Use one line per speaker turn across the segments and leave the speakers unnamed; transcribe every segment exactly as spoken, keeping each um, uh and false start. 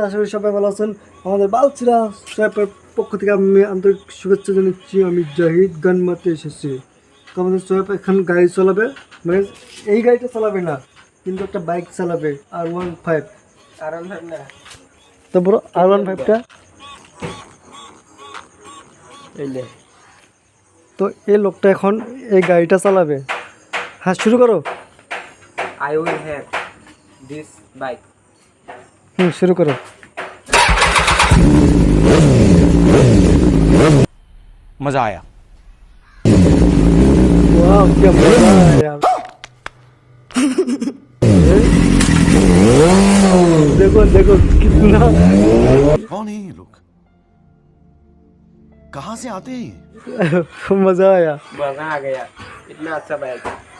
আশা করি সবাই ভালো আছেন। আমাদের বালছিরা সোয়াবের পক্ষ থেকে আমি আন্তরিক শুভেচ্ছা জানাচ্ছি। আমি জাহিদ গান মারতে এসেছি। তো আমাদের সোয়াব এখন গাড়ি চালাবে, মানে এই গাড়িটা চালাবে না, কিন্তু একটা বাইক চালাবে আর ওয়ান ফাইভ
আর ওয়ান ফাইভ না,
তারপর আর ওয়ান ফাইভটা।
এইলে
তো এই লোকটা এখন এই গাড়িটা চালাবে। হ্যাঁ, শুরু করো।
I will have this bike.
হুম, শুরু করো।
मजा आया।
वाह, क्या मजा है यार। देखो देखो कितना
कौन है ये लोग, कहाँ से आते हैं?
मजा आया।
मजा आ गया, इतना अच्छा बाइक।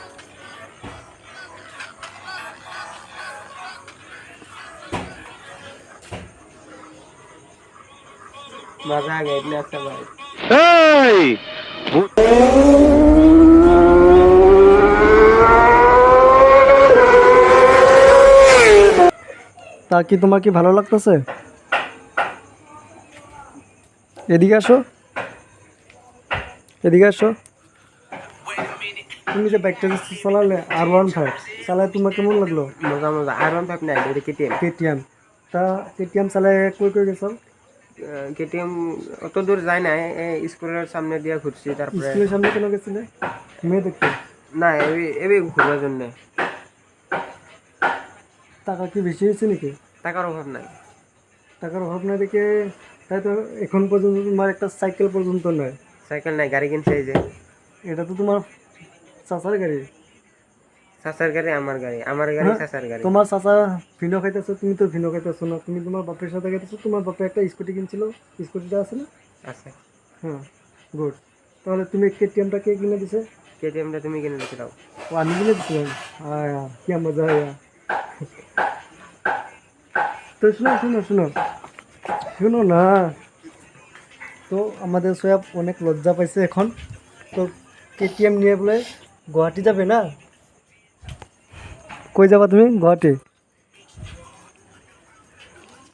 मजा आ गया, इतना अच्छा बाइक।
তা কি তোমার কি ভালো লাগতেছে? এদিকে আসো, এদিকে আসো। তুমি যে বাইকটা চালালে আর ওয়ান ফাইভ চালায় তোমার কেমন লাগলো?
मजा मजा আর ওয়ান ফাইভ না, এটা কেটিএম।
কেটিএম। তা কেটিএম চালায় কই কই গেছো?
কেটিএম অত দূর যায় না, এই স্কুলের সামনে দিয়ে ঘুরছি। তারপরে
স্কুলের সামনে কেন গেছিলে? মেয়ে দেখতে?
না, এই এই ঘুরবার জন্য।
টাকা কি বেশি হয়েছে নাকি?
টাকার অভাব নাই।
টাকার অভাব না দেখে তাই তো এখন পর্যন্ত তোমার একটা সাইকেল পর্যন্ত নয়।
সাইকেল নাই, গাড়ি কিনছে এই যে।
এটা তো তোমার চাচার গাড়ি।
চাচার গাড়ি আমার গাড়ি, আমার গাড়ি
হ্যাঁ,
চাচার গাড়ি।
তোমার চাচা ভিনো খাইতেছো, তুমি তো ভিনো খাইতেছো না। তুমি তোমার বাপের সাথে খাইতেছো। তোমার বাপে একটা স্কুটি কিনছিল, স্কুটিটা আছে না?
আছে।
হ্যাঁ, গুড। তাহলে তুমি কেটিএমটা কে কিনে দিছে?
কেটিএমটা তুমি কিনে রেখে দাও।
ও, আমি কিনে দিছিলাম। আয়া, কি মজা আয়া। তো শুনো শুনো শুনো শুনো না। তো আমাদের সোয়াব অনেক লজ্জা পাইছে এখন। তো কেটিএম নিয়ে বলে গুয়াহাটি যাবে না? কই যাবা তুমি? গুয়াহাটি?